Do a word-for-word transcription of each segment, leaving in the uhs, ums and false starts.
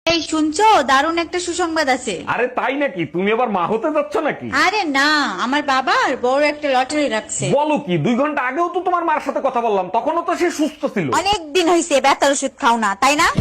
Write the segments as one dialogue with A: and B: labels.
A: এই শুনছো, দারুণ একটা সুসংবাদ আছে।
B: আরে তাই নাকি? তুমি আবার মা হতে যাচ্ছ নাকি?
A: আরে না, আমার বাবার বড় একটা লটারি রাখছে।
B: বলো কি? দুই ঘন্টা আগেও তো তোমার মার সাথে কথা বললাম, তখনও তো সে সুস্থ ছিল।
A: অনেক দিন হয়েছে ব্যথার ওষুধ খাও না, তাই না?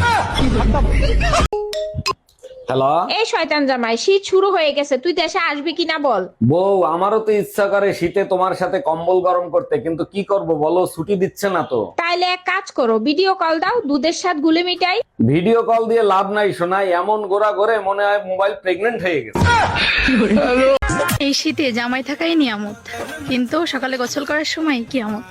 B: হ্যালো
C: এই শয়তান জামাই, শীত শুরু হয়ে গেছে, তুই দেশে আসবি কিনা বল।
B: বউ, আমারও তো ইচ্ছা করে শীতে তোমার সাথে কম্বল গরম করতে, কিন্তু কি করব বলো, ছুটি দিচ্ছে না তো।
C: তাইলে এক কাজ করো, ভিডিও কল দাও, দুধের সাথে গুলে মিটাই।
B: ভিডিও কল দিয়ে লাভ নাই শোনাই, এমন গোড়া করে মনে হয় মোবাইল প্রেগনেন্ট হয়ে গেছে।
D: এই শীতে জামাই থাকাই নিয়ামত, কিন্তু সকালে গোসল করার সময় কিয়ামত।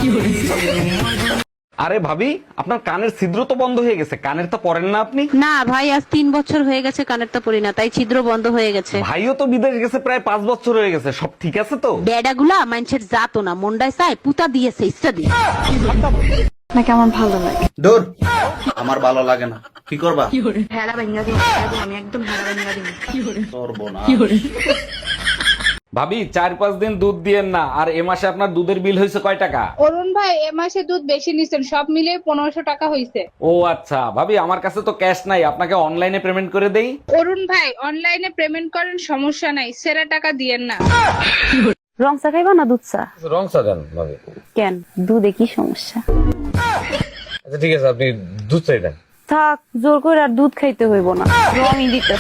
B: আরে ভাবি, আপনার কানের ছিদ্র তো বন্ধ হয়ে গেছে, কানের তো পরেন না আপনি?
E: না ভাই, আজ তিন বছর হয়ে গেছে কানেরটা পরি না, তাই ছিদ্র বন্ধ হয়ে গেছে।
B: ভাইও তো বিদেশ গেছে প্রায় পাঁচ বছর হয়ে গেছে, সব ঠিক আছে তো?
E: বেডাগুলা মানুষের জাতো না, মন্ডায় চায় পুতা দিয়েছে ইচ্ছা দিয়ে।
D: নাকি আমার ভালো লাগে।
F: দূর, আমার ভালো লাগে না। কি করবা?
D: ভেড়া ভেঙা দিই, আমি একদম ভেড়া ভেঙা দিই।
F: করবো না।
B: ভাবি, চার পাঁচ দিন দুধ দিয়েন না। আর এ মাসে আপনার দুধের বিল হয়েছে কয় টাকা?
G: অরুণ ভাই, এ মাসে দুধ বেশি নিছেন, সব মিলিয়ে পনেরোশো টাকা হইছে।
B: ও আচ্ছা ভাবি, আমার কাছে তো ক্যাশ নাই, আপনাকে অনলাইনে পেমেন্ট করে দেই।
G: অরুণ ভাই, অনলাইনে পেমেন্ট করেন, সমস্যা নাই, সেরা টাকা দিয়েন না।
E: রং চা খাইবা না দুধ চা?
B: রং চা দেন ভাবি।
E: কেন, দুধে কি সমস্যা?
B: আচ্ছা ঠিক আছে, আপনি দুধ চাই দেন।
E: থাক, জোর করে আর দুধ খাইতে হইব না, রঙই দিতে।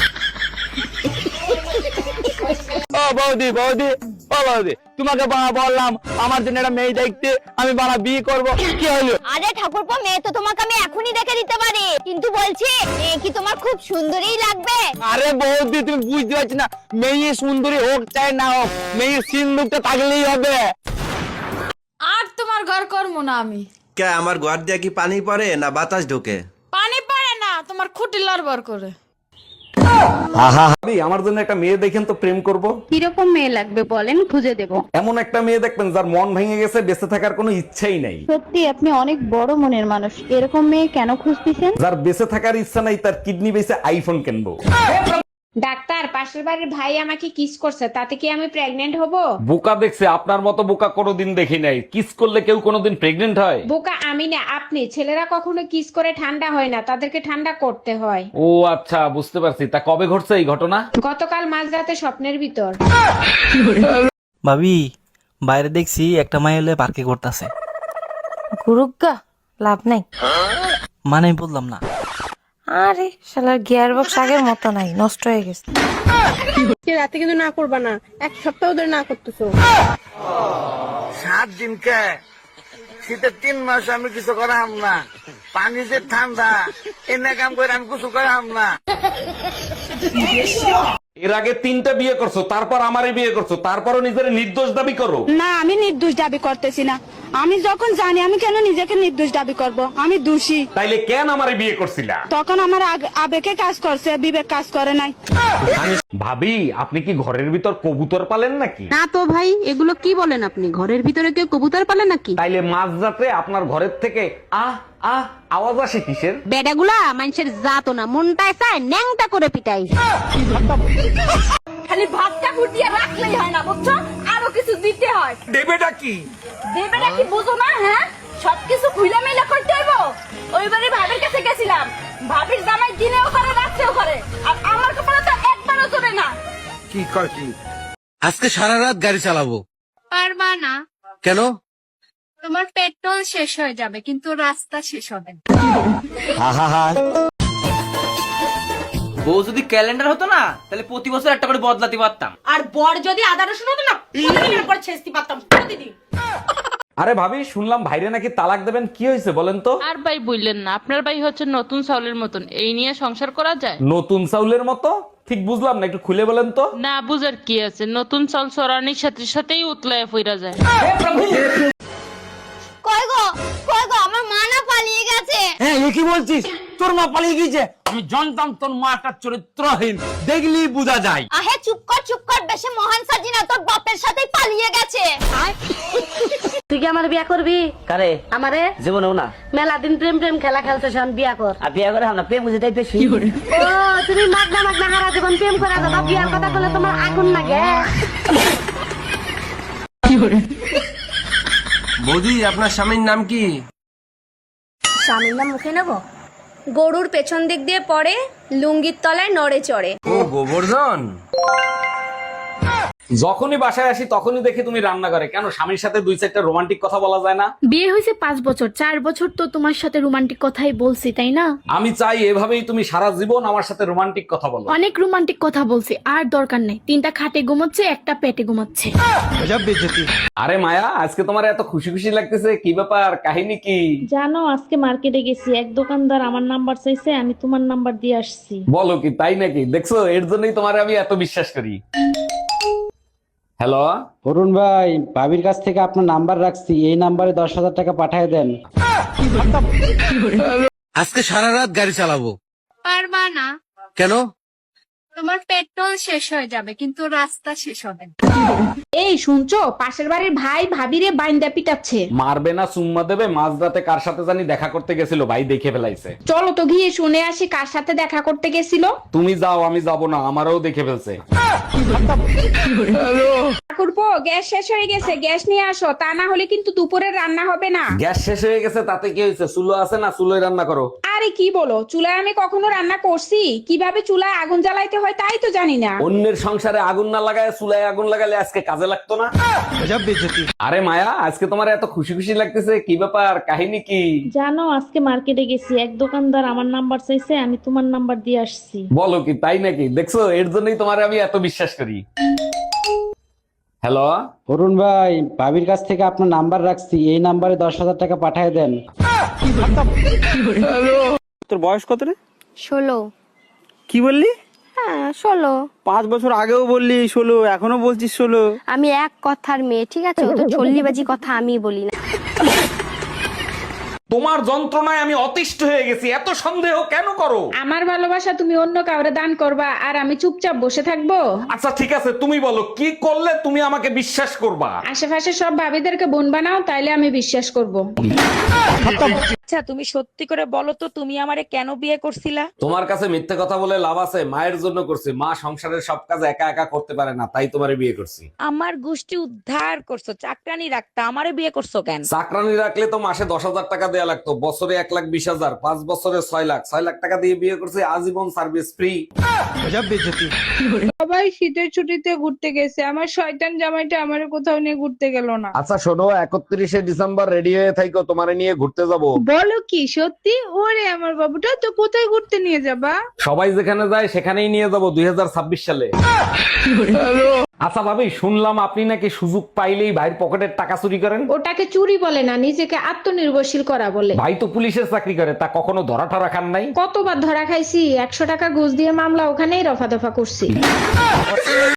H: ও বৌদি, বৌদি, ও বৌদি, তোমাকে বাবা বললাম আমার জন্য একটা মেয়ে দেখতে, আমি বাবা বিয়ে করব, কি হলো?
I: আরে ঠাকুরপো, মেয়ে তো তোমাকে আমি এখনই দেখে দিতে পারি, কিন্তু বলছি মেয়ে কি তোমার খুব সুন্দরই লাগবে?
H: আরে বৌদি, তুমি বুঝতে পারছি না, মেয়ে সুন্দরী হোক চাই না হোক, মেয়ের সিন্দুকটা থাকলেই হবে।
D: আর তোমার ঘর করবো না আমি।
F: কে, আমার ঘর দিয়ে কি পানি পড়ে না বাতাস ঢোকে?
D: পানি পারে না, তোমার খুঁটি লড়বড় করে।
B: ভাবি, আমার জন্য একটা মেয়ে দেখেন তো, প্রেম করব।
E: কিরকম মেয়ে লাগবে বলেন, খুঁজে দেব।
B: এমন একটা মেয়ে দেখবেন যার মন ভেঙে গেছে, বেঁচে থাকার কোনো ইচ্ছাই নাই।
E: সত্যি আপনি অনেক বড় মনের মানুষ, এরকম মেয়ে কেন খুঁজতেছেন?
B: যার বেঁচে থাকার ইচ্ছা নাই, তার কিডনি বেঁচে আইফোন কিনবো।
C: ডাক্তার, পাশের বাড়ির ভাই আমাকে কিস করছে, তাতে কি আমি প্রেগনেন্ট হব?
B: বোকা দেখছে, আপনার মতো বোকা কোনোদিন দেখি নাই। কিস করলে কেউ কোনোদিন প্রেগনেন্ট হয়?
C: বোকা আমি না, আপনি। ছেলেরা কখনো কিস করে ঠান্ডা হয় না, তাদেরকে ঠান্ডা করতে হয়।
B: ও আচ্ছা, বুঝতে পারছি। তা কবে ঘটছে এই ঘটনা?
C: গতকাল মাঝরাতে স্বপ্নের ভিতর।
J: ভাবি, বাইরে দেখছি একটা মাই হলে পার্কে করতেছে।
I: গুরুগা, লাভ নাই।
J: মানে আমি বললাম না।
I: আরে শালার গিয়ার বক্স আগের মতো নাই, নষ্ট হয়ে গেছে।
G: রাতে কিন্তু না করবা না, এক সপ্তাহ ধরে না করতেছো।
H: সাত দিন কে শীতের তিন মাস আমি কিছু করাম না, পানি যে ঠান্ডা এনে কাম করে আমি কিছু করাম না।
B: এর আগে তিনটা বিয়ে করছো, তারপর আমারই বিয়ে করছো, তারপরও নিজের নির্দোষ দাবি করো।
G: না, আমি নির্দোষ দাবি করতেছি না। আমি যখন জানি, আমি কেন নিজেকে নির্দোষ দাবি করব? আমি দোষী।
B: তাইলে কেন আমারে বিয়ে করছিলা?
G: তখন আমার আগ- আবেগে কাজ করছে, বিবেক কাজ করে নাই।
B: ভাবি, আপনি কি ঘরের ভিতর কবুতর পালেন নাকি?
E: না তো ভাই, এগুলো কি বলেন আপনি? ঘরের ভিতরে কেউ কবুতর পালে নাকি?
B: তাইলে মাঝরাতে আপনার ঘরের থেকে আহ আহ আওয়াজ আসে কিসের?
E: বেডাগুলা মানুষের জাতো না, মনটায় চায় ন্যাংটা করে পিটাই।
I: খালি ভাতটা ফুটিয়ে রাখলেই হয় না, বুঝছো? আরো কিছু দিতে হয়।
H: দেবেটা কি?
I: দেবেটা কি বুঝো না? হ্যাঁ, সবকিছু খুইলা মেলা করতে হইব। ওইবারে ভাবির কাছে গেছিলাম, ভাবির জামাই দিনেও করে রাত্রেও করে, আর আমার কপালে তো একবারও চলে না।
F: কি কর কি? আজকে সারা রাত গাড়ি চালাবো।
D: পারবা না,
F: কেন?
D: তোমার পেট্রোল শেষ হয়ে যাবে, কিন্তু রাস্তা শেষ হবে না।
H: বউ যদি ক্যালেন্ডার হতো না, তাহলে প্রতি বছর একটা করে বদলাতে পারতাম।
I: আর বর যদি আদা রসুন হতো না, প্রতিদিনের পর ছেঁচতে পারতাম, প্রতিদিন।
B: আরে ভাবি, শুনলাম ভাইরে নাকি তালাক দেবেন, কি হয়েছে বলেন তো?
D: আর ভাই বললেন না, আপনার ভাই হচ্ছে নতুন চাউলের মতন, এই নিয়ে সংসার করা যায়?
B: নতুন চাউলের মতো? ঠিক বুঝলাম না, একটু খুলে বলেন তো।
D: না বুঝার কি আছে, নতুন চাল চড়ানির সাথে সাথেই উতলায় ফিরা যায়।
I: কই গো, কই গো, আমার মা না পালিয়ে গেছে।
H: হ্যাঁ, এ কি বলছিস? তোর মা পালিয়ে গিয়েছে? আমি জানতাম তোর মা একটা চরিত্রহীন, দেখলি বোঝা যায়।
I: আহে চুপ কর, চুপ কর, বেশি মহান সাজি না, তোর বাপের সাথেই পালিয়ে গেছে।
E: তুই কি আমার বিয়া করবি?
J: কারে?
E: আমারে
J: জীবনেও না।
E: মেলা দিন প্রেম প্রেম খেলা খেলতে শোন, বিয়া কর।
J: আর বিয়ে করে আমরা প্রেম বুঝে তাই বেশি।
E: ও, তুমি মাগনা মাগনা হারা জীবন প্রেম করা যাবা, বিয়ার কথা বলে তোমার আগুন লাগে।
F: বৌদি, আপনার স্বামীর নাম কি?
I: স্বামীর নাম মুখে নেব? গরুর পেছন দিক দিয়ে পড়ে, লুঙ্গির তলায় নড়ে চড়ে।
B: ও গোবর্ধন, যখনই বাসায় আসি তখনই দেখি তুমি রান্না করে। কেন, স্বামীর সাথে দুই চারটা রোমান্টিক কথা বলা যায় না?
D: বিয়ে হয়েছে পাঁচ বছর, চার বছর তো তোমার সাথে রোমান্টিক কথাই বলছি, তাই না?
B: আমি চাই এভাবেই তুমি সারা জীবন আমার সাথে রোমান্টিক কথা বলো।
D: অনেক রোমান্টিক কথা বলছি, আর দরকার নেই। তিনটা খাটে ঘুমাচ্ছে, একটা পেটে ঘুমাচ্ছে।
B: আরে মায়া, আজকে তোমার এত খুশি খুশি লাগতেছে, কি ব্যাপার, কাহিনী কি?
C: জানো আজকে মার্কেটে গেছি, এক দোকানদার আমার নাম্বার চাইছে, আমি তোমার নাম্বার দিয়ে আসছি।
B: বলো কি, তাই নাকি? দেখছো, এর জন্যই তোমার আমি এত বিশ্বাস করি। হ্যালো,
J: অরুণ ভাই, ভাবির কাছ থেকে আপনার নাম্বার রাখছি, এই নাম্বারে দশ হাজার টাকা পাঠিয়ে দেন।
F: আজকে সারা রাত গাড়ি চালাবো।
D: পারবা না,
F: কেন?
D: তোমার পেট্রোল শেষ হয়ে যাবে কিন্তু রাস্তা শেষ হবে না।
C: এই শুনছো, পাশের বাড়ির ভাই ভাবিরে বাইন্দা পিটাচ্ছে।
B: মারবে না চুম্মা দেবে? মাঝরাতে কার সাথে জানি দেখা করতে গেছিল, ভাই দেখে ফেলাইছে।
C: চলো তো গিয়ে শুনে আসি কার সাথে দেখা করতে গেছিল।
B: তুমি যাও, আমি যাব না, আমারও দেখে ফেলছে।
C: ঠাকুরপো, গ্যাস শেষ হয়ে গেছে, গ্যাস নিয়ে আসো, তা না হলে কিন্তু দুপুরে রান্না হবে না।
B: গ্যাস শেষ হয়ে গেছে তাতে কি হয়েছে? চুলো আছে না, চুলোয় রান্না করো।
C: আরে কি বলো, চুলায় আমি কখনো রান্না করছি? কিভাবে চুলায় আগুন জ্বালাইতে হয় তাই তো জানি না।
B: অন্যের সংসারে আগুন না লাগায় চুলায় আগুন লাগালে আজকে কাজে লাগতো না? আরে মায়া, আজকে তোমার এত খুশি খুশি লাগতেছে, কি ব্যাপার, কাহিনী কি?
C: জানো আজকে মার্কেটে গেছি, এক দোকানদার আমার নাম্বার চাইছে, আমি তোমার নাম্বার দিয়ে আসছি।
B: বলো কি, তাই নাকি? দেখছো, এর জন্যই তোমার আমি এত বিশ্বাস করি। হ্যালো,
J: অরুণ ভাই, ভাবির কাছ থেকে আপনার নাম্বার রাখছি, এই নাম্বারে দশ হাজার টাকা পাঠিয়ে দেন।
K: তোর বয়স কত রে?
E: ষোলো।
K: কি বললি?
E: হ্যাঁ ষোলো।
K: পাঁচ বছর আগেও বললি ষোলো, এখনো বলছিস ষোলো।
E: আমি এক কথার মেয়ে, ঠিক আছে? ও তো চল্লিবাজি কথা আমি বলি না।
B: তোমার যন্ত্রণায় আমি অতিষ্ঠ হয়ে গেছি, এত সন্দেহ কেন করো?
C: আমার ভালোবাসা তুমি অন্য কাউরে দান করবা আর আমি চুপচাপ বসে থাকবো?
B: আচ্ছা ঠিক আছে, তুমি বলো কি করলে তুমি আমাকে বিশ্বাস করবা?
C: আশেপাশে সব ভাবিদেরকে বোন বানাও, তাইলে আমি বিশ্বাস করব।
A: আচ্ছা তুমি সত্যি করে বলো তো, তুমি আমারে কেন বিয়ে করছিলা?
B: তোমার কাছে মিথ্যে কথা বলে লাভ আছে? মায়ের জন্য করছি, মা সংসারের সব কাজ একা একা করতে পারে না, তাই তোমারে বিয়ে করছি।
A: আমার গোষ্ঠী উদ্ধার করছো, চাকরানি রাখতা, আমারে বিয়ে করছো কেন?
B: চাকরানি রাখলে তো মাসে দশ হাজার টাকা দেয়া লাগতো, বছরে এক লাখ বিশ হাজার, পাঁচ বছরে ছয় লাখ ছয় লাখ টাকা দিয়ে বিয়ে করছি, আজীবন সার্ভিস ফ্রি।
G: সবাই শীতের ছুটিতে ঘুরতে গেছে, আমার শয়তান জামাইটা আমারে কোথাও নিয়ে ঘুরতে গেল না।
B: আচ্ছা শোনো, একত্রিশে ডিসেম্বর রেডি হয়ে থাইকো, তোমারে নিয়ে ঘুরতে যাব।
G: বলো কি সত্যি? ওরে আমার বাবুটা, তো কোথায় ঘুরতে নিয়ে যাবা?
B: সবাই যেখানে যায় সেখানেই নিয়ে যাব দুই হাজার ছাব্বিশ সালে। আচ্ছা ভাবি, শুনলাম আপনি নাকি সুযোগ পাইলেই ভাইয়ের পকেটের টাকা চুরি করেন।
C: ওটাকে চুরি বলে না, নিজেকে আত্মনির্ভরশীল করা বলে।
B: ভাই তো পুলিশের চাকরি করে, তা কখনো ধরা ঠরা খান নাই?
C: কতবার ধরা খাইছি, একশো টাকা ঘুষ দিয়ে মামলা ওখানেই রফা দফা করছি।